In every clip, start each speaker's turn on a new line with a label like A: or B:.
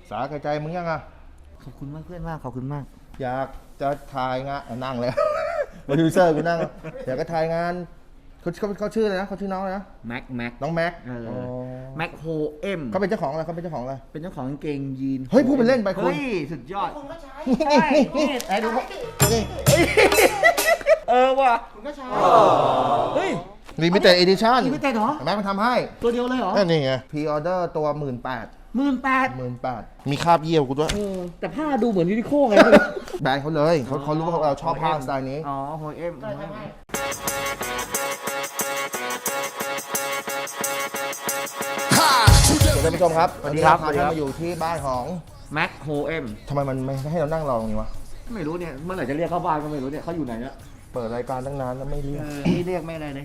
A: สาใจมึงยังอ่ะ
B: ขอบคุณมากเพื่อนมากขอบคุณมาก
A: อยากจะถ่ายงานนั่งเลยโปรดิวเซอร์กูนั่งอยากจะถ่ายงานเขาชื่ออะไรนะเขาชื่อน้องอะไรนะ
B: แม็ก
A: น้องแม็ก
B: แม็กโฮเอ็ม
A: เขาเป็นเจ้าของอะไรเขาเป็นเจ้าของอะไร
B: เป็นเจ้าของกางเกงยีน
A: เฮ้ยพูดเป็นเล่นไปคุณ
B: เฮ้ยสุดยอด
C: คุณก็ใช้
B: นี่ไอ้ดูว่ะคุณก็ใช้เฮ้ย
A: ลิมิเต็ดเอดิชั่น
B: ลิมิเต็ดเหรอ
A: แม็กมันทำให้
B: ตัวเดียวเลยเหรอ
A: นี่ไงพรีออเดอร์ตัว 18,000 มีคราบเยี่ยวกูด้วย
B: แต่ผ้าดูเหมือนยูนิโคไง
A: แบรนด์เขาเลยเขารู้ว่าเราชอบผ้าสไตล์นี้
B: อ๋อโฮเอ็ม
A: สวัสดีท่านผู้ชมครับวันนี้เราพาท่านมาอยู่ที่บ้านของ
B: แม็กโฮเอ็ม
A: ทำไมมันไม่ให้เรานั่งรอตรงนี้วะ
B: ไม่รู้เนี่ยเมื่อไหร่จะเรียกเข้าบ้านก็ไม่รู้เนี่ยเขาอยู่ไหนเนี่ย
A: เปิดรายการตั้งนานแล้วไม่เรียก
B: ไม่เรียกไม่อะไรเลย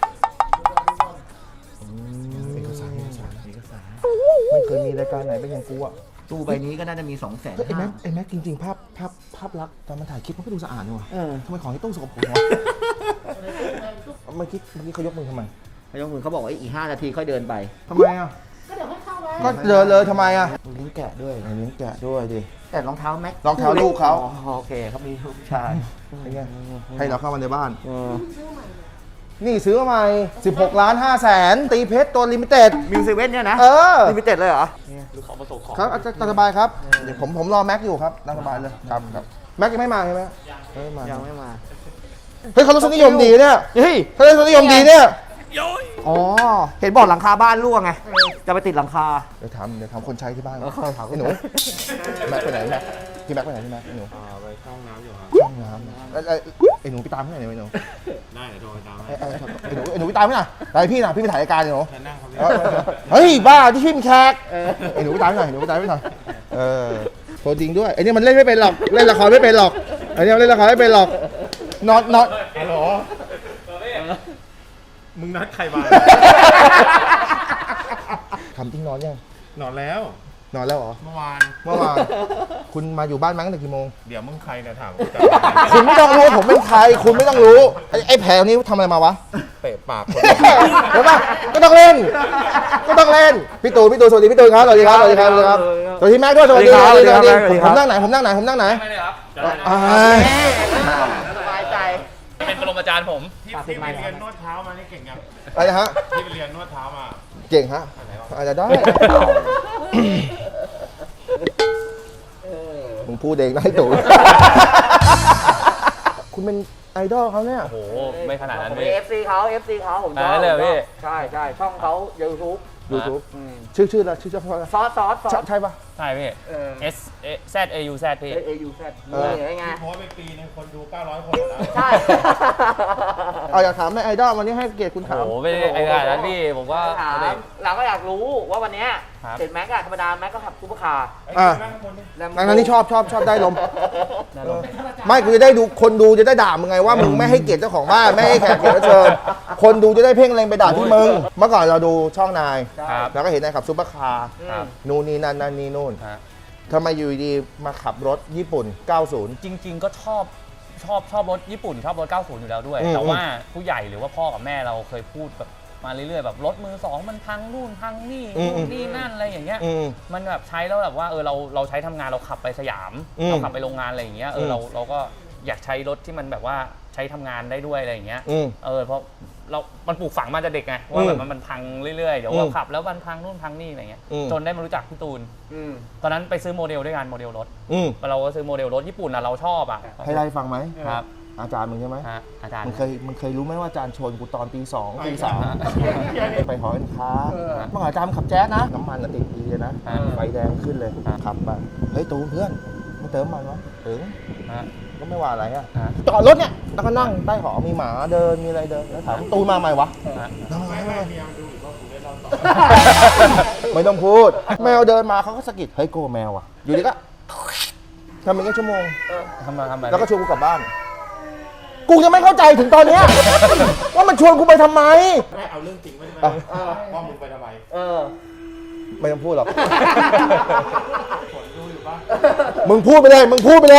A: เอกสารไม่เคยมีรายการไหนเป็นอย่างกูอ่ะ
B: ตู้ใบนี้ก็น่าจะมี 200,000
A: ไอ้แม็กจริงๆภาพลักษณ์ตอนมันถ่ายคลิปมันก็ดูสะอาดนี่วะทำไมของที่ต้องสกปรกวะเมื่อกี้เขายกมือทำไม
B: เขายกมือเขาบอกว่าอีก5 นาทีค่อยเดินไป
A: ทำไมอ่ะ
C: ก็เดี๋ยวให้เข้าไว้
A: ก็เดินเลยทำไมอ่ะ
B: ลิ้นแกะด้วย
A: ลิ้นแกะด้วยดิ
B: แต่รองเท้าแม็ก
A: รองเท้าลูกเขา
B: โอเคเขามีลูกชาย
A: ให้เราเข้ามาในบ้านนี่ซื้อมาใหม่16,500,000ตีเพชรตัวลิมิเต็ด
B: มิวเซเว่นเนี่ยนะลิมิเต็ดเลยเหรอหรือของประสบของ
A: ครับสบายครับเดี๋ยวผมรอแม็กอยู่ครับนั่งสบายเลยครับแม็กยังไม่มาใช่ไหม
B: ยังไม่มา
A: เฮ้ยเขารสนิยมดีเนี่ยเฮ้ยเขารสนิยมดีเนี่ย
B: อ๋อเห็นบอกหลังคาบ้านรั่วไงจะไปติดหลังคา
A: เดี๋ยวทำคนใช้ที่บ้านถามไอ้หนูแม็กไปไหนแม็กพี่แม็กไปไหนพี่แม็กไอ้หนู
D: ไปเข้าห้องน้ำอยู่ครับ
A: ห้องน้ำไอ้หนูไปตามที่ไหนเนี่ยไอ้หนู
D: ได้เดี๋ยวโทรไปตาม
A: ไอ้หนูไปตามที่ไหนไปพี่นะพี่ไปถ่ายรายการไอ้หนู
D: นั่งครับ
A: เฮ้ยบ้าที่พี่เป็นแขกไอ้หนูไปตามที่ไหนหนูไปตามที่ไหนโทรจริงด้วยไอ้นี่มันเล่นไม่เป็นหรอกเล่นละครไม่เป็นหรอกไอ้นี่มันเล่นละครไม่เป็นหรอกน็อต
D: ฮัลโหลมึงนัดใครมา
A: ทำจริงนอนยัง
D: นอนแล้ว
A: เหรอ
D: เมื่อวาน
A: คุณมาอยู่บ้านมั้งแต่กี่โมง
D: เดี๋ยวมึงใครเนี่ยถาม
A: คุณไม่ต้องรู้ผมเป็นใครคุณไม่ต้องรู้ไอ้แผลนี้ทำอะไรมาวะ
D: เตะปากคน
A: เห็นปะก็ต้องเล่นพี่ตูนสวัสดีพี่ตูนครับสวัสดีครับสวัสดีแม็กด้วยสวัสดีผมนั่งไหนไม่
E: เลยครับ
B: สบายใจ
E: เป็นปรมาจารย์ผม
D: ที่ไปเรียนนวดเท้ามานี่เก่งยัง
A: อะไรฮะ
D: ที่ไปเรียนนวดเท้ามา
A: เก่งฮะอาจจะได้มึงพูดเองนะไอ้ตู่คุณเป็นไอดอลเขาเนี่ย
E: โอ้โหไม่ขนาดนั้นพี่
B: FC เขาผมชอบ
E: เลยพี่
B: ใช่ช่องเขา YouTube
A: ชื่ออะไรชื่อ
B: ซอส
A: ใช่ปะ
E: ใช่พี่S Z A U Z พี่
B: AUZ ไง
D: โพสไปปีนึงคนดู900 คนแล้ว
B: ใช่
A: อยากถามในไอดอลวันนี้ให้เกียรติคุณถาม
E: โอ้โหไม่ไอ้ขนาดนั้นพี่ผมก็
B: เราก็อยากรู้ว่าวันนี้เห็นแม็กธรรมดาแม็กก็ขับซูเปอร์คาร์
A: นั่นนี่ชอบได้ลมไม่กูจะได้ดูคนดูจะได้ด่ามึงไงว่ามึงไม่ให้เกียรติเจ้าของบ้านไม่ให้แขกเชิญคนดูจะได้เพ่งเล็งไปด่าที่มึงเมื่อก่อนเราดูช่องนายแล้วก็เห็นนายขับซูเปอร์คาร์นู่นนี่นั่นนี่นู่นทำไมอยู่ดีมาขับรถญี่ปุ่น90
E: จริงๆก็ชอบรถญี่ปุ่นชอบรถ90อยู่แล้วด้วยแต่ว่าผู้ใหญ่หรือว่าพ่อกับแม่เราเคยพูดแบบมาเรื่อยๆแบบรถมือ2มันพังนู่นพังนี่นั่นอะไรอย่างเงี้ยมันแบบใช้แล้วแบบว่าเราใช้ทำงานเราขับไปสยามเราขับไปโรงงานอะไรอย่างเงี้ยเราก็อยากใช้รถที่มันแบบว่าใช้ทำงานได้ด้วยอะไรอย่างเงี้ยเพราะมันปลูกฝังมาจากเด็กไงว่าแบบมันพังเรื่อยๆเดี๋ยวเราขับแล้วมันพังนู่นพังนี่อะไรเงี้ยจนได้มารู้จักพี่ตูนตอนนั้นไปซื้อโมเดลด้วยกันโมเดลรถเราก็ซื้อโมเดลรถญี่ปุ่นเราชอบอ่ะ
A: ให้ได้ฟังไหม
E: ครับ
A: อาจารย์มึงใช่ไหม
E: อาจารย์
A: มึงเคยรู้ไหมว่าอาจารย์ชนกูตอนตี 2 ตี 3ไปหอการค้าเมื่อก่อนอาจารย์ขับแจ๊สนะน้ำมันติดดีเลยนะไฟแดงขึ้นเลยขับไปเฮ้ยตูนเพื่อนมาเติมมันวะถึงก็ไม่ว่าอะไรอ่ะจอดรถเนี่ยแล้วก็นั่งใต้หอมีหมาเดินมีอะไรเดินแล้วถามตูนมาใหม่วะไม่ต้องพูดแมวเดินมาเขาก็สะกิดเฮ้ยโกแมวอ่ะอยู่ดีก็ทำเป็นแค่ชั่วโมง
E: ทำไม
A: แล้วก็ชวนกูกลับบ้านกูยังไม่เข้าใจถึงตอนนี้ว่ามันชวนกูไปทำไม
D: ไม่เอาเรื่องจริงไม่ได้ว่ามึงไปทำไม
A: ไม่ต้องพูดหรอกมึงพูดไปเลยไม่ถ้าผลดู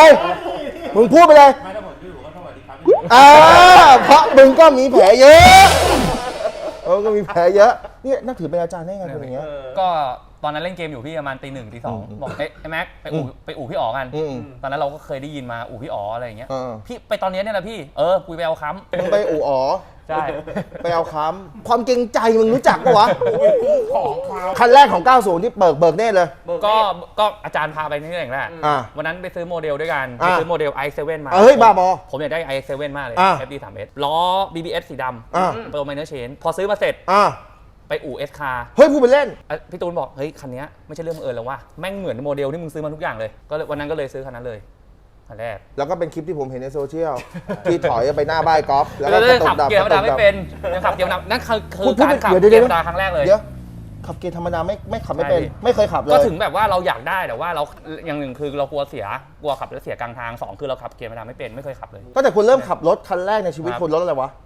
A: อยู่ก็สวัสดีครับเพราะมึงก็มีแผลเยอะก็มีแผลเยอะนี่นับถือเป็นอาจารย์ได้ไงคนอย่างเงี้ย
E: ก็ตอนนั้นเล่นเกมอยู่พี่ประมาณตี 1ตี 2บอกไอ้แม็กไปอู่พี่อ๋อกันตอนนั้นเราก็เคยได้ยินมาอู่พี่อ๋ออะไรอย่างเงี้ยพี่ไปตอนนี้เนี่ยแหละพี่กูไปเอาค้ำ
A: มึงไปอู่อ๋อ
E: ใช่
A: ไปเอาค้ำความเกรงใจมึงรู้จักปะวะ
D: ของเขา
A: คันแรกของ 90 ที่เบิกเน่เลย
E: ก็อาจารย์พาไปนี่เองแหละ วันนั้นไปซื้อโมเดลด้วยกันไปซื้อโมเดล i7 มา
A: บ้าบอ
E: ผมอยากได้ i7 มากเลย FD3S ล้อ BBS สีดำเปิด minor chain พอซื้อมาเสร็จไปอู่ S car
A: เฮ้ยพูดไปเล่น
E: พี่ตูนบอกเฮ้ยคันนี้ไม่ใช่เรื่องบังเอิญแล้วว่าแม่งเหมือนโมเดลที่มึงซื้อมาทุกอย่างเลยก็วันนั้นก็เลยซื้อคันนั้นเลยคันแรก
A: แล้วก็เป็นคลิปที่ผมเห็นในโซเชียล ที่ถอยไปหน้าบ้านกอล์ฟแล้วก็
E: ขับเกียร์ธรรมดาไม่เป็นยังขับเกียร์ธรรมดานั่นคือการขับเกียร์ธรรมดาครั้งแรกเลย
A: เดี๋ยวขับเกียร์ธรรมดาไม่ขับไม่เป็นไม่เคยขับเลย
E: ก็ถึงแบบว่าเราอยากได้แต่ว่าเราอย่างหนึ่งคือเรากลัวขับแล้วเสียกลางทาง2คือเราขับเกียร์ธรรมดาไม่เป็นไม่เคยขับเลย
A: ก็แต่คุณเริ่มขับรถคันแรกในชีวิตคุณรถอะไรวะ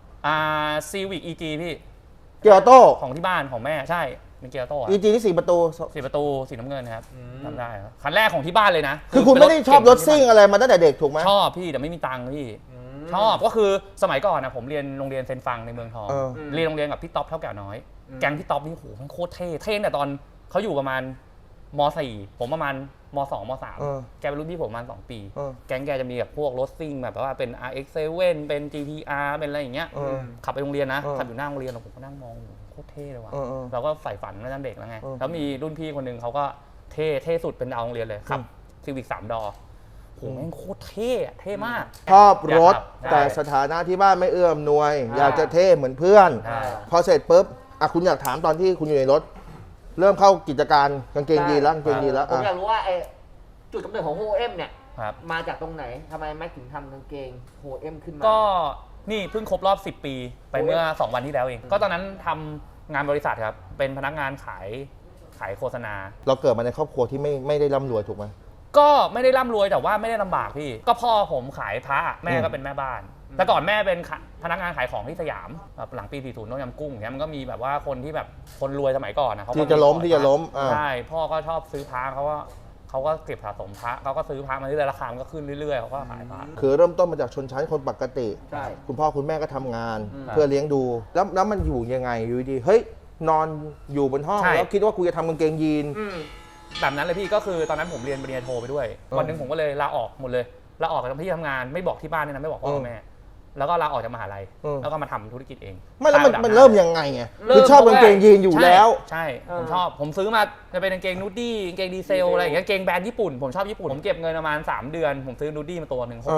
E: Civic EG พี่
A: เกียร์ออโต้
E: ของที่บ้านของแม่ใช่เป็นเกียร์ออโต้
A: EG ที่4 ประตู
E: สีน้ำเงินครับทำได้ครับคันแรกของที่บ้านเลยนะ
A: คือคุณไม่ได้ชอบรถซิ่งอะไรมาตั้งแต่เด็กถูกไหม
E: ชอบพี่แต่ไม่มีตังค์พี่ชอบก็คือสมัยก่อนนะผมเรียนโรงเรียนเซนฟังในเมืองทองเรียนโรงเรียนกับพี่ต๊อปเท่าแก่น้อยแก๊งพี่ต๊อปนี่โหมันโคตรเท่แต่ตอนเขาอยู่ประมาณม.4 ผมประมาณม.2 ม.3 แกเป็นรุ่นพี่ผมประมาณ2 ปีแก๊งแกจะมีแบบพวกรถซิ่งแบบว่าเป็น RX7 เป็น GTR เป็นอะไรอย่างเงี้ยขับไปโรงเรียนนะขับอยู่หน้าโรงเรียนผมก็นั่งมองโคตรเท่เลยว่ะเราก็ใฝ่ฝันมาตั้งเด็กแล้วไงแล้วมีรุ่นพี่คนนึงเขาก็เท่สุดเป็นดาวโรงเรียนเลยขับ Civic 3 ดอโหแม่งโคตรเท่มาก
A: ชอบรถแต่สถานะที่บ้านไม่เอื้อมหน่วยอยากจะเท่เหมือนเพื่อนพอเสร็จปุ๊บคุณอยากถามตอนที่คุณอยู่ในรถเริ่มเข้ากิจการกางเกงยีนแล้วผม
B: อยากรู้ว่าจุดกำเนิดของโฮเอ็มเนี่ยมาจากตรงไหนทำไมแม็กถึงทำกางเกงโฮเอ็มขึ้นมา
E: ก็นี่เพิ่งครบรอบ10 ปีไปเมื่อ2 วันที่แล้วเองก็ตอนนั้นทำงานบริษัทครับเป็นพนักงานขายโฆษณา
A: เราเกิดมาในครอบครัวที่ไม่ได้ร่ำรวยถูกไหม
E: ก็ไม่ได้ร่ำรวยแต่ว่าไม่ได้ลำบากพี่ก็พ่อผมขายพระแม่ก็เป็นแม่บ้านแต่ก่อนแม่เป็นพนักงานขายของที่สยามแบบหลังปี 40ต้มยำกุ้งอย่างเงี้ยมันก็มีแบบว่าคนที่แบบคนรวยสมัยก่อนนะ
A: ที่จะล้ม
E: ใช่พ่อก็ชอบซื้อพระเขาก็เก็บสะสมพระเขาก็ซื้อพระมาเรื่อยๆราคามันก็ขึ้นเรื่อยๆเขาก็ขายพระ
A: คือเริ่มต้นมาจากชนชั้นคนปกติคุณพ่อคุณแม่ก็ทำงานเพื่อเลี้ยงดูแล้วมันอยู่ยังไงอยู่ดีเฮ้ยนอนอยู่บนห้องแล้วคิดว่ากูจะทำกางเกงยีน
E: แบบนั้นเลยพี่ก็คือตอนนั้นผมเรียนปริญญาโทไปด้วยวันหนึ่งผมก็เลยลาออกหมดเลยลาออกจากที่ทำงานไม่บอกที่บ้านเนี่ยนะไม่บอกพ่อแม่แล้วก็ลาออกจากมหาลัยแล้วก็มาทำธุรกิจเอง
A: ไม่แล้วมันเริ่มยังไงไงคือชอบกางเกงยีนอยู่แล้ว
E: ใช่ผมชอบผมซื้อมาจะเป็นกางเกงนูดดี้กางเกงดีเซลอะไรอย่างเงี้ยกางเกงแบรนด์ญี่ปุ่นผมชอบญี่ปุ่นผมเก็บเงินประมาณ3 เดือนผมซื้อนูดดี้มาตัวนึง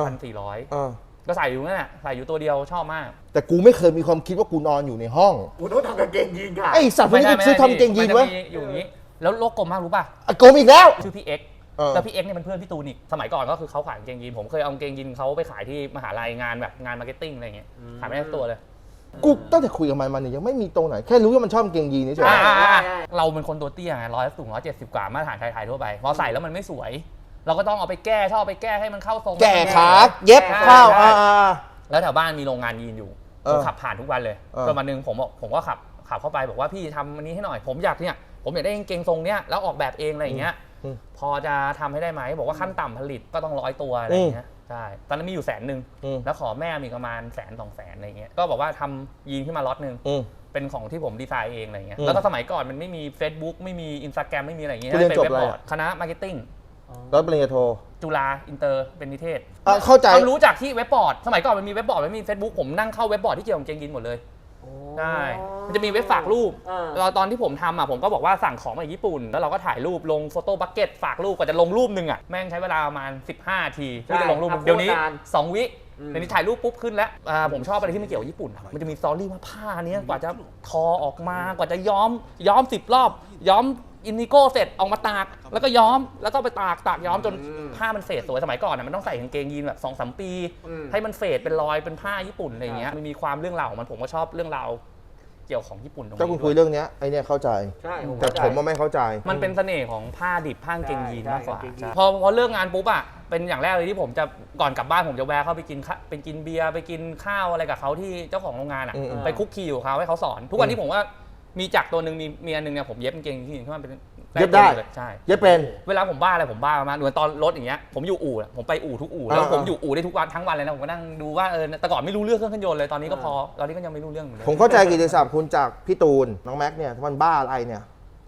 E: 6,400ก็ใส่อยู่นั่นแหละใส่อยู่ตัวเดียวชอบมาก
A: แต่กูไม่เคยมีความคิดว่ากูนอนอยู่ในห้อง
B: กูต้องทำกางเกงยีนค่ะ
A: ไอสัตว์พวกนี้ซื้อทำกางเกงยีนไว้
E: อยู่อย่างนี้แล้วโลกกลมมากรู้ป่ะ
A: กลมอีกแล้ว
E: ชื่อพี่เอ็กแล้วพี่เอ็กเนี่ยเป็นเพื่อนพี่ตูนอีกสมัยก่อนก็คือเขาขายกางเกงยีนผมเคยเอากางเกงยีนเขาไปขายที่มหาลัยงานแบบงานมาร์เก็ตติ้งอะไรเงี้ยขายไม่ได้ตัวเลย
A: กูตั้งแต่คุยกับมันเนี่ยยังไม่มีตรงไหนแค่รู้ว่ามันชอบกางเกงยีนนี่เฉย
E: เราเป็นคนตัวเตี้ยไงสูง170 กว่ามาตรฐานไทยๆทั่วไปพอใส่แล้วมันไม่สวยเราก็ต้องเอาไปแก้ชอบไปแก้ให้มันเข้าทรง
A: แก้ขาเย็บเข้า
E: แล้วแถวบ้านมีโรงงานยีนอยู่ผมขับผ่านทุกวันเลยจนวันนึงผมก็ขับเข้าไปบอกว่าพี่ทำอันนี้ให้หน่อยผมอยากได้กางเกงทรงเนี้ยแล้วออกแบบเองอะไรอย่างเงี้ยพอจะทำให้ได้ไหมบอกว่าขั้นต่ำผลิตก็ต้อง100 ตัวอะไรอย่างเงี้ยใช่ตอนนั้นมีอยู่100,000แล้วขอแม่มีประมาณ100,000-200,000อะไรเงี้ยก็บอกว่าทำยีนขึ้นมาล็อตนึงเป็นของที่ผมดีไซน์เองอะไรเงี้ยแล้วก็สมัยก่อนมันไม่มี Facebook ไม่มี Instagram ไม่มีอะไรเงี้ยเป็นเว็บบอร์ดคณะมาร์เก็ตติ้ง
A: แล้วปริญญาโท
E: จุฬาอินเตอร์เป็นนิเทศ
A: เข้าใจ
E: ความรู้จากที่เว็บบอร์ดสมัยก่อนมันมีเว็บบอร์ดไม่มี Facebook ผมนั่งเข้าเว็บบอร์ดที่เกี่ยวกับกางเกงยีนหมดเลยใช่มันจะมีเว็บฝากรูปตอนที่ผมทำผมก็บอกว่าสั่งของมาจากญี่ปุ่นแล้วเราก็ถ่ายรูปลงโฟโต้บัคเก็ตฝากรูปกว่าจะลงรูปนึงแม่งใช้เวลาประมาณ15 นาทีที่จะลงรูปเดี๋ยวนี้2 วิเดี๋ยวนี้ถ่ายรูปปุ๊บขึ้นแล้วผมชอบอะไรที่มันเกี่ยวกับญี่ปุ่นมันจะมีสตอรี่ว่าผ้านี้กว่าจะทอออกมากว่าจะย้อม10 รอบย้อมอินดิโก้เสร็จออกมาตากแล้วก็ย้อมแล้วก็ไปตากย้อมจนผ้ามันเฟดสวยสมัยก่อนมันต้องใส่กางเกงยีนแบบ 2-3 ปีให้มันเฟดเป็นรอยเป็นผ้าญี่ปุ่นอะไรอย่างเงี้ยมันมีความเรื่องราวของมันผมก็ชอบเรื่องราวเกี่ยวของญี่ปุ่นตรงนี้
A: ถ้าคุณคุยเรื่องนี้ไอเนี่ยเข้าใจแต่ผมไม่เข้าใจ
E: มันเป็นเสน่ห์ของผ้าดิบผ้ากางเกงยีนมากกว่าพอเลิกงานปุ๊บเป็นอย่างแรกเลยที่ผมจะก่อนกลับบ้านผมจะแวะเข้าไปกินเบียร์ไปกินข้าวอะไรกับเขาที่เจ้าของโรงงานไปคุกคีอยู่เขาให้เขาสอนทุกวันนี้ผมว่ามีจักรตัวหนึ่งมีอันนึงเนี่ยผมเย็บกางเกงยีนขึ้นมาเป็น
A: เย็บได้
E: ใช่
A: เย็บเป็น
E: เวลาผมบ้าอะไรผมบ้ามากเหมือนตอนรถอย่างเงี้ยผมอยู่อู่ผมไปอู่ทุกอู่แล้วผมอยู่อู่ได้ทุกวันทั้งวันเลยนะผมก็นั่งดูว่าแต่ก่อนไม่รู้เรื่องเครื่องยนต์เลยตอนนี้ก็พอตอนนี้ก็ยังไม่รู้เรื่องเลย
A: ผมเข้าใจกิจศัพท์คุณจากพี่ตูนน้องแม็กเนี่ยมันบ้าอะไรเนี่ย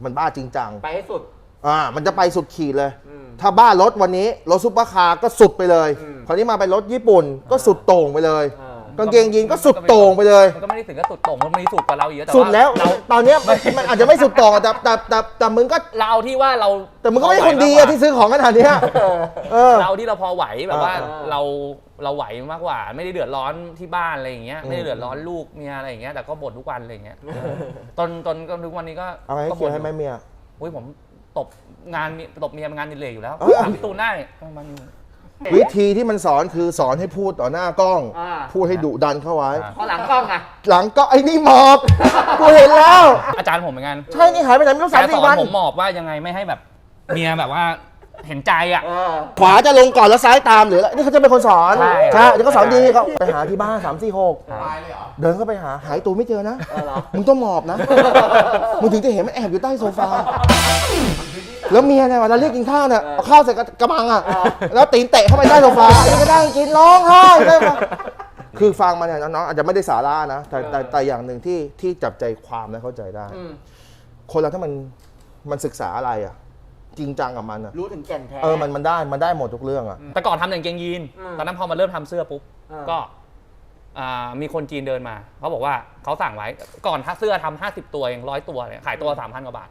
A: มันบ้าจริงจัง
B: ไปให้สุด
A: มันจะไปสุดขีดเลย
B: อืม
A: ถ้าบ้ารถวันนี้รถซุปเปอร์คาร์ก็สุดไปเลย
B: อืม
A: คราวนี้มาเป็นรถญี่ปุ่นก็สุดโต่งไปเลย
B: อ่า
A: กางเกงยีนก็สุดโต่งไปเลย
E: มันก็ไม่ได้ถึงกับสุดโต่งมันมีสุดกว่าเราอีกแต่
A: สุดแล้ว
E: เรา
A: ตอนเนี้ยมันอาจจะไม่สุดโต่งแต่มึงก็
E: เราที่ว่าเรา
A: แต่มึงก็ไม่ใช่คนดีอะที่ซื้อของขนาดเนี้ยเออ
E: เราที่เราพอไหวแบบว่า
B: อ่า
E: เราไหวมากกว่า ไม่ได้เดือดร้อนที่บ้านอะไรอย่างเงี้ย
A: อืม
E: ไม่ได้เดือดร้อนลูกเมียอะไรอย่างเงี้ยแต่ก็บ่นทุกวันอะไรอย่างเงี้ยจนทุกวันนี้ก็
A: เอาไงให้เคลียร์ให้แม่เมีย
E: อุ้ยผมตบตบเมียมันงานดิเลกอยู่แล้ว
A: เอ้ย
E: ถามพี่ตูนได้มัน
A: วิธีที่มันสอนคือสอนให้พูดต่อหน้ากล้อง
B: อ่า
A: พูดให้ดุดันเข้าไว้
B: พอหลังกล้องอะ
A: หลังก็ไอ้นี่หมอบกูเห็นแล้ว
E: อาจารย์ผมเหมือนกัน
A: ใช่นี่หายไปไหนไม่รู้
E: แต่ส
A: 3-4
E: อ
A: วัน น
E: ผมหมอบว่ายังไงไม่ให้แบบเมียแบบว่าเห็นใจอ่ะ
A: ขวาจะลงก่อนแล้วซ้ายตามหรืออะไรนี่เขาจะเป็นคนสอน
E: ใช่
A: ใช่เดี๋ยวก็สอนดีเขาไปหาที่บ้าน3-4-6
D: ตายเลยเหรอ
A: เดินเข้าไปหาหายตัวไม่เจอนะ
B: เหรอ
A: มึงต้องหมอบนะ มึงถึงจะเห็นมันแอบอยู่ใต้โซฟา แล้วเมียเนี่ยเวลาเรียกกินข้าวเนี่ยเอาข้าวใส่กระมังอ่ะ แล้วตีนเตะเข้าไปใต้โซฟาอันนี้ก็ได้กินร้องไห้ได้ปะคือฟังมาเนี่ยน้องๆอาจจะไม่ได้สาระนะ แต่อย่างหนึ่งที่จับใจความและเข้าใจได้
B: อืม
A: คนเราถ้ามันศึกษาอะไรอ่ะ จริงจังกับมันอ่ะ
B: รู้ถึงแก่นแท้
A: มันได้หมดทุกเรื่องอ่ะ
E: แต่ก่อนทำแต่กางเกงยีน
B: อืม
E: ตอนนั้นพอมาเริ่มทำเสื้อปุ๊บ
B: อ่า
E: ก็มีคนจีนเดินมาเขาบอกว่าเขาสั่งไว้ก่อนเสื้อทำ50 ตัวเอง100 ตัวเนี่ยขายตัว 3,000 กว่าบาท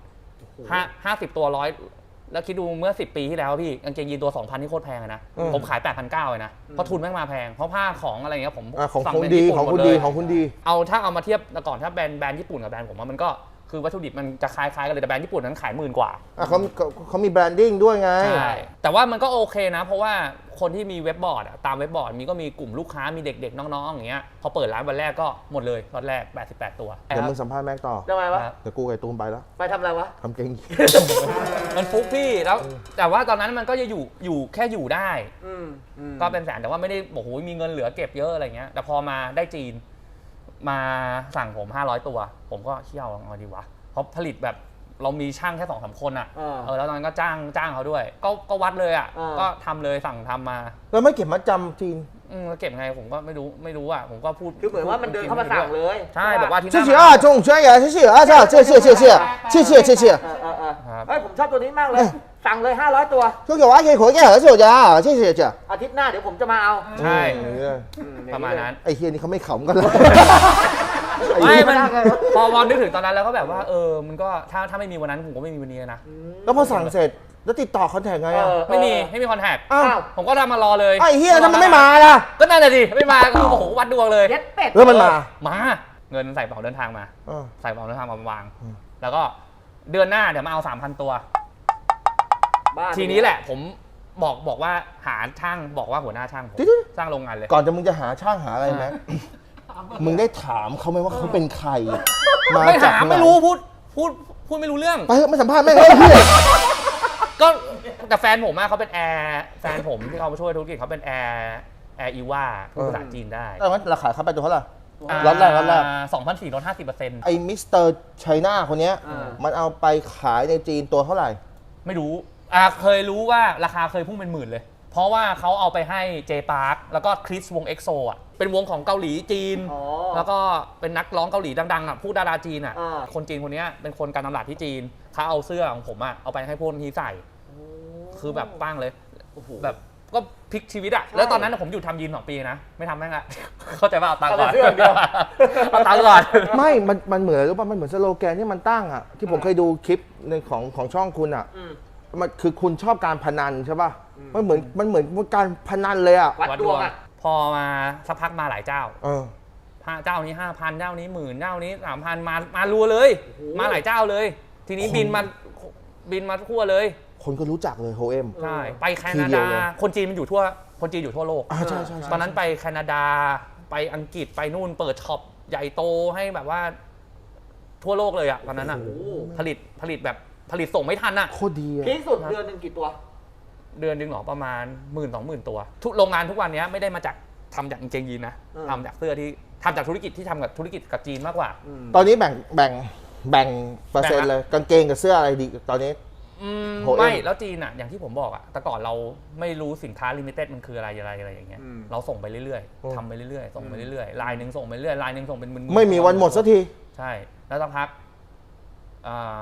E: 50 ตัว100แล้วคิดดูเมื่อ10 ปีที่แล้วพี่กางเกงยีนตัว 2,000นี่โคตรแพงเลยนะ
A: อืม
E: ผมขาย 8,900เลยนะเพราะทุนแม่งมาแพงเพราะผ้าของอะไรเงี้ยผม
A: ของ
E: สั่
A: คุณ
E: เป็น
A: ดี
E: ญี่ปุ่น
A: ของ
E: หม
A: คุณ
E: เล
A: ดี
E: ย
A: ของคุณดี
E: ถ้าเอามาเทียบแต่ก่อนถ้าแบรนด์ญี่ปุ่นกับแบรนด์ผมว่ามันก็คือวัตถุดิบมันจะคล้ายๆกันเลยแต่แบรนด์ญี่ปุ่นนั้นขาย10,000 กว่า
A: เขามีแบรนดิ้งด้วยไง
E: ใช่แต่ว่ามันก็โอเคนะ เพราะว่าคนที่มีเว็บบอร์ดอะตามเว็บบอร์ดมีก็มีกลุ่มลูกค้ามีเด็กๆน้องๆอย่างเงี้ยพอเปิดร้านวันแรกก็หมดเลยล็อตแรก88 ตัว
A: เดี๋ยวมึงสัมภาษณ์แม็กต่อ
B: ทำไมวะ
A: เดี๋ยวกูกับไอ้ตูมไปแล้ว
B: ไปทำอะไรวะ
A: ทำเกงยีน
E: มันฟุกพี่แล้วแต่ว่าตอนนั้นมันก็จะอยู่แค่อยู่ได้
B: อืม
E: ก็เป็นแสนแต่ว่าไม่ได้โอ้โหมีเงินเหลือเก็บเยอะอะไรเงี้ยแต่พอมาได้จีนมาสั่งผม500 ตัว ผมก็เชี่ยวเอาดีวะเพราะผลิตแบบเรามีช่างแค่2-3 คนอ่ะแล้วตอนนั้นก็จ้างเขาด้วย ก็วัดเลยอ่ะก็ทำเลยสั่งทำมา
A: แล้วไม่เก็บมัดจำจีน
E: แล้วเก็บไงผมก็ไม่รู้อ่ะผมก็พูด
B: คือเหมือนว่ามันเดินเข้ามาสั่งเลย
E: ใช่บอกว่าที่ห
A: 谢
E: น้า
A: 谢啊，中学员，谢谢啊，谢谢谢谢谢谢谢。
B: เฮ้ยผมชอบตัวนี้มากเลย สั่งเลย500 ตัว
A: 就有啊，可以回给儿子家，谢谢谢。
B: อาทิตย์หน้าเดี๋ยวผมจะมาเอา
E: ใช่
B: อื
E: ประมาณนั้น
A: ไอ้เฮียนี่เขาไม่ขำกันเลย
E: ไม่มันพอนึกถึงตอนนั้นแล้วก็แบบว่ามันก็ถ้าไม่มีวันนั้นผมก็ไม่มีวันนี้นะ
A: แล้วพอสั่งเสร็จแล้วติดต่อคอนแทคไงอ่ะ
E: ไม่มีคอนแทค
A: อ้าว
E: ผมก็ทำมารอเลย
A: ไอ้เฮียทำไมไม่มาล่ะ
E: ก็นั่นแหละดิไม่มาก็โอ้โหวัดดวงเลย
B: เย็ดเป็ด
A: แล้วมันมา
E: เงินใส่กระเป๋าเดินทางมา
A: อ่า
E: ใส่กระเป๋าเดินทางมาวาง แล้วก็เดือนหน้าเดี๋ยวมาเอา 3,000 ตัว
B: บ้า
E: ทีนี้แหละผมบอกว่าหาช่างบอกว่าหัวหน้าช่างผมสร้างโรงงานเลย
A: ก่อนจะมึงจะหาช่างหาอะไรแม็กมึงได้ถามเขาไหมว่าเขาเป็นใคร
E: ไม่
A: จาก
E: ถาม
A: ไหน
E: ไม่รู้พูดไม่รู้เรื่อง
A: ไปเถอะไม่สัมภาษณ์แม่งเลยเฮีย
E: ก็แต่แฟนผมอะเขาเป็นแอร์แฟนผมที่เขามาช่วยธุรกิจเขาเป็นแอร์อีว่าพูดภาษาจีนได้
A: แล้วราคาเขาไปตัวเท่าไหร่ ล็อตแรก
E: 2,400ลด 50%
A: ไอ้มิสเตอร์ไชน่าคนเนี้ยมันเอาไปขายในจีนตัวเท่าไหร่
E: ไม่รู้เคยรู้ว่าราคาเคยพุ่งเป็นหมื่นเลย เพราะว่าเขาเอาไปให้เจปาร์คแล้วก็คริสวงเอ็กโซอ่ะเป็นวงของเกาหลีจีน แล้วก็เป็นนักร้องเกาหลีดังๆอ่ะผู้ดาราจีนอ่ะคนจีนคนนี้เป็นคนการตลาดที่จีนเขาเอาเสื้อของผมอ่ะเอาไปให้พวกนี้ใส่คือแบบปั้งเลยแบบก็พลิกชีวิตอ่ะแล้วตอนนั้นผมอยู่ทำยีน2 ปีนะไม่ทำแม่งละ เข้าใจว่าเอาตังค์ก่อนเอาตังค์ก่อน
A: ไม่ มันเหมือนหรือเปล่ามันเหมือนสโลแกนที่มันตั้งอ่ะที่ผมเคยดูคลิปในของช่องคุณอ่ะมันคือคุณชอบการพนันใช่ป่ะมันเหมือนการพนันเลยอ่ะ
B: วัดดวงอ่ะ
E: พอมาสักพักมาหลายเจ้า
A: เออ
E: เจ้านี้ 5,000 เจ้านี้10,000เจ้านี้ 3,000 มารัวเลย มาหลายเจ้าเลย ทีนี้บินมาทั่วเลย
A: คนก็รู้จักเลยโฮเอ็ม
E: ใช่ไปแค
A: ที
E: นา
A: เดียว
E: ดา
A: เลย
E: คนจีนมันอยู่ทั่วโลก
A: ใช่ใช่
E: ตอนนั้นไปแคนาดาไปอังกฤษไปนู่นเปิดช็อปใหญ่โตให้แบบว่าทั่วโลกเลยอะตอนนั้นอะผลิตแบบผลิตส่งไม่ทันอะ
A: โคตรดีอ่ะ
B: พีคสุดเดือนหนึ่งกี่ตัว
E: เดือนนึงหรอประมาณ 10,000-20,000 ตัวทุกโรงงานทุกวันนี้ไม่ได้มาจากทำจากกางเกงยีนนะทำจากเสื้อที่ทำจากธุรกิจที่ทำกับธุรกิจกับจีนมากกว่า
A: ตอนนี้แบ่งเปอร์เซ็นต์เลยกางเกงกับเสื้ออะไรดีตอนนี้ โฮเอ็ม
E: ไม่แล้วจีนอะอย่างที่ผมบอกอะแต่ก่อนเราไม่รู้สินค้าลิมิเต็ดมันคืออะไรอย่างเงี้ยเราส่งไปเรื่อยๆทำไปเรื่อยๆส่งไปเรื่อยๆลายหนึ่งส่งไปเรื่อยลายหนึ่งส่งเป็นหมื่นๆ
A: ไม่มีวันหมดสักที
E: ใช่แล้วสักพัก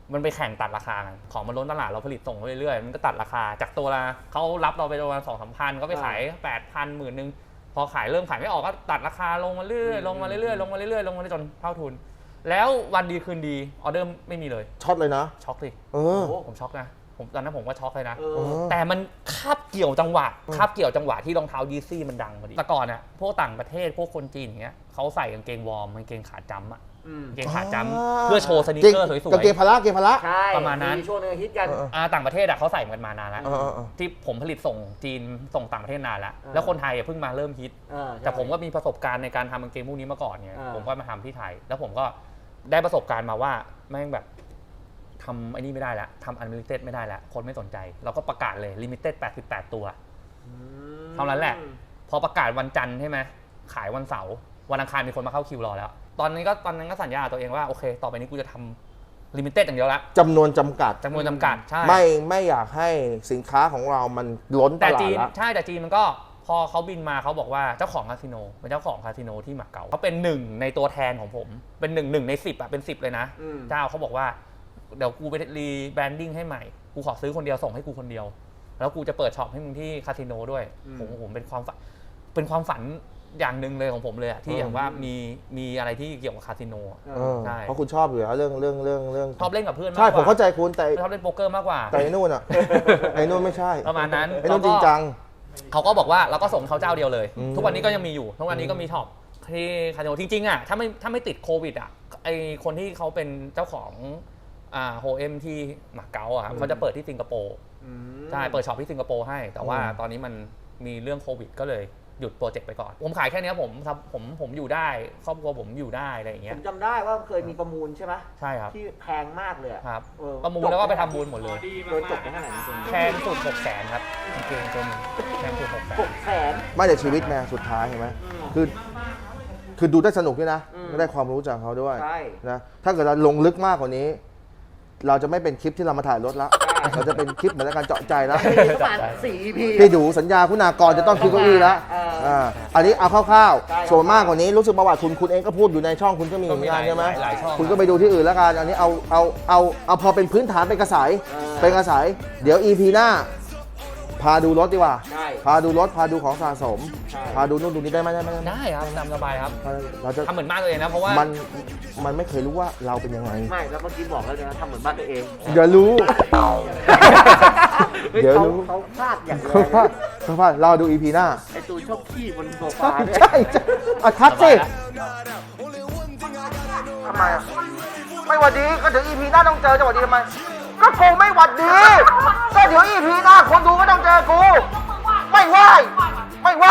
E: มันไปแข่งตัดราคากันของมันล้นตลาดเราผลิตส่งเรื่อยๆมันก็ตัดราคาจากตัวละเขารับเราไปประมาณ2-3 พันก็ไปขาย 8,000 10,000 พอขายเริ่มขายไม่ออกก็ตัดราคาลงมาเรื่อยๆลงมาเรื่อยๆลงมาเรื่อยๆลงมาเรื่อยๆจนเท่าทุนแล้ววันดีคืนดีออเดอร์ไม่มีเลย
A: ช็อตเลยนะ
E: ช็อกสิ
B: โอ้
E: ผมช็อกนะตอนนั้นผมก็ช็อกเลยนะ
B: เออ
E: แต่มันคาบเกี่ยวจังหวะที่รองเท้ายีซี่มันดังพอดีแต่ก่อนอ่ะพวกต่างประเทศพวกคนจีนอย่างเงี้ยเขาใส่กางเกงวอร์มกางเกงขาจั๊มป์อ่ะกางเกงขาจั๊มป์เพื่อโชว์สนิเกอร์สวย
A: กางเกงพละ
B: ใช่
E: ประมาณนั้น
B: ช่วงนึงฮิตกัน
E: ต่างประเทศอ่ะเขาใส่กันมานานแล้ว
A: เออ
E: ที่ผมผลิตส่งจีนส่งต่างประเทศนานแล้ว
B: อ่า
E: แล้วคนไทยเพิ่งมาเริ่มฮิต
B: ใช่
E: แต่ผมก็มีประสบการณ์ในการทำกางเกงพวกนี้มาก่อนไง
B: อ่า
E: ผมก็มาทำที่ไทย แล้วผมก็ได้ประสบการณ์มาว่าแม่งแบบทำไอ้นี่ไม่ได้แล้วทำอันลิมิเต็ดไม่ได้แล้วคนไม่สนใจเราก็ประกาศเลยลิมิเต็ด88 ตัว เท่านั้นแหละ พอประกาศวันจันทร์ใช่ไหมขายวันเสาร์วันอังคารมีคนมาเข้าคิวรอแล้ว ตอนนั้นก็สัญญากับตัวเองว่าโอเค ต่อไปนี้กูจะทำลิมิเต็ดอย่างเดียวละ
A: จำนวนจำกัด
E: จำนวนจำกัดใช่
A: ไม่อยากให้สินค้าของเรามันล้นต
E: แต่
A: ลาด
E: จีน
A: ละ
E: ใช่แต่จีนมันก็พอเขาบินมาเขาบอกว่าเจ้าของคาสิโนเป็นเจ้าของคาสิโนที่หมาเก๊าเขาเป็นหนึ่งในตัวแทนของผมเป็นหนึ่งใน10อ่ะเป็น10เลยนะ เจ้าเขาบอกว่าเดี๋ยวกูไปรีแบรนดิ้งให้ใหม่กูขอซื้อคนเดียวส่งให้กูคนเดียว แล้วกูจะเปิดช็อปให้มึงที่คาสิโนด้วยผมเป็นความฝันอย่างหนึ่งเลยของผมเลยอะที่อย่างว่ามีอะไรที่เกี่ยวกับคาสิโนอะ ใช่
A: เพราะคุณชอบอยู่แล้วเรื่อง
E: ชอบเล่นกับเพื่อนมากก
A: ใช่
E: ว่า
A: ผมเข้าใจคุณแต่
E: ชอบเล่นโป๊กเกอร์มากกว่า
A: ไอ้นู่นอ่ะ ไอ้นู่นไม่ใช่
E: ประมาณนั้น
A: ไอ้นู่นจริงจัง
E: เขาก็บอกว่าเราก็ส่งเขาเจ้าเดียวเลย
A: อืม
E: ทุกวันนี้ก็ยังมีอยู่ทุกวันนี้ก็มีช็อปที่คาสิโนจริงๆอ่ะถ้าไม่ติดโควิดอ่ะไอคนที่เขาเป็นเจ้าของโฮเอ็มที่หมาเก๊าอ่ะเขาจะเปิดที่สิงคโปร์ใช่เปิดช็อปที่สิงคโปร์ให้แต่ว่าตอนนี้มันมีเรื่องโควิดก็เลยหยุดโปรเจกต์ไปก่อนผมขายแค่นี้ผมอยู่ได้ครอบครัวผมอยู่ได้อะไรอย่าง
B: ผ
E: เงี้ย
B: มจำได้ว่าเคยมีประมูลใช่ไหม
E: ใช่ครับ
B: ที่แพงมากเลยอะ
E: ครับ
B: เออ
E: ประมูลแล้วก็ไปทำบุญหมดเลย
B: โดนจบไปเท่าไหร่นะคุณ
E: แพงสุด600,000ครับกางเกงตัวหนึงแพงสุด600,000
B: 600,000
A: ไม่แต่ชีวิตแม่สุดท้ายเห็นไหมคือดูได้สนุกด้วยนะได้ความรู้จากเขาด้วย
B: ใช่
A: นะถ้าเกิดเราลงลึกมากกว่านี้ เราจะไม่เป็นคลิปที่เรามาถ่ายรถละเราจะเป็นคลิปเหมือนการเจาะใจแล้ว
B: ประมาณ4 EP
A: พี่ดูสัญญาคุณากรจะต้องคิดเก้าอี้แล้ว อันนี้เอาคร่าว
B: ใช่
A: ๆส่วนมากกว่านี้รู้สึกประวัติคุณเองก็พูดอยู่ในช่องคุณก็มีเหมือนกันใช่ไหม
E: หลายช่อง
A: คุณก็ไปดูที่อื่นแล้วกันอันนี้เอาพอเป็นพื้นฐานเป็นกระสายเป็นกระสายเดี๋ยว EP หน้า พาดูรถดีกว่า
B: ใช่
A: พาดูรถพาดูของสะสม
B: ใช่
A: พาดูนู่นดูนี่ได้ไหม
E: ได้ครับตามสบายครับ
A: เราจะ
E: ทำเหมือนบ้านตัวเองนะเพราะว่า
A: มันไม่เคยรู้ว่าเราเป็นยังไง
B: ไม่แล้วเมื่อกี้บอกแล้วนะทำเหมือนบ้านตัวเอง
A: เดี๋ยวรู้ เดี๋ยวรู้
B: เขาพลาดอย่างเดียว
A: เขาพลาดเราดู EP หน้า
B: ไอตูนชอบขี้บนโซฟาด้วย
A: ใช่อ่ะทักสิทำไมอ่ะไม่หวัดดีก็เดี๋ยว EP หน้าต้องเจอจะหวัดดีทำไมก็กูไม่หวัดดีก็เดี๋ยว EP หน้าคนดูก็ต้องเจอกูไม่ไหวไม่ไหว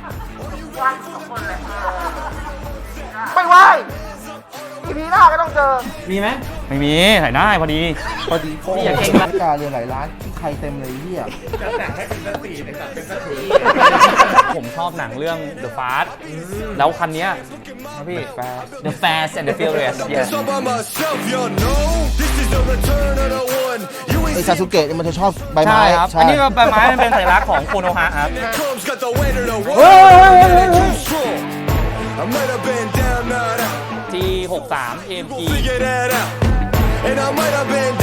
A: ไม่ไหว EP หน้าก็ต้องเจอ
E: มีไหมไม่มีถ่ายได้พอดี
A: พอดี
E: พี่อย่าเก่งนะ
A: กาเรียนหลายร้านที่ใครเต็มเลยเฮีย
E: ผมชอบหนังเรื่อง The Fast แล้วคันเนี้ยนะพี่ The Fast and the Furious yes
A: ไอซาสุเกะเนี่ยมันจะชอบใบไม้
E: ใช่ครับ อันนี้ก็ใบไม้มันเป็นสัญลักษณ์ของโคโนฮะครับ T63 AMG
C: And I might have been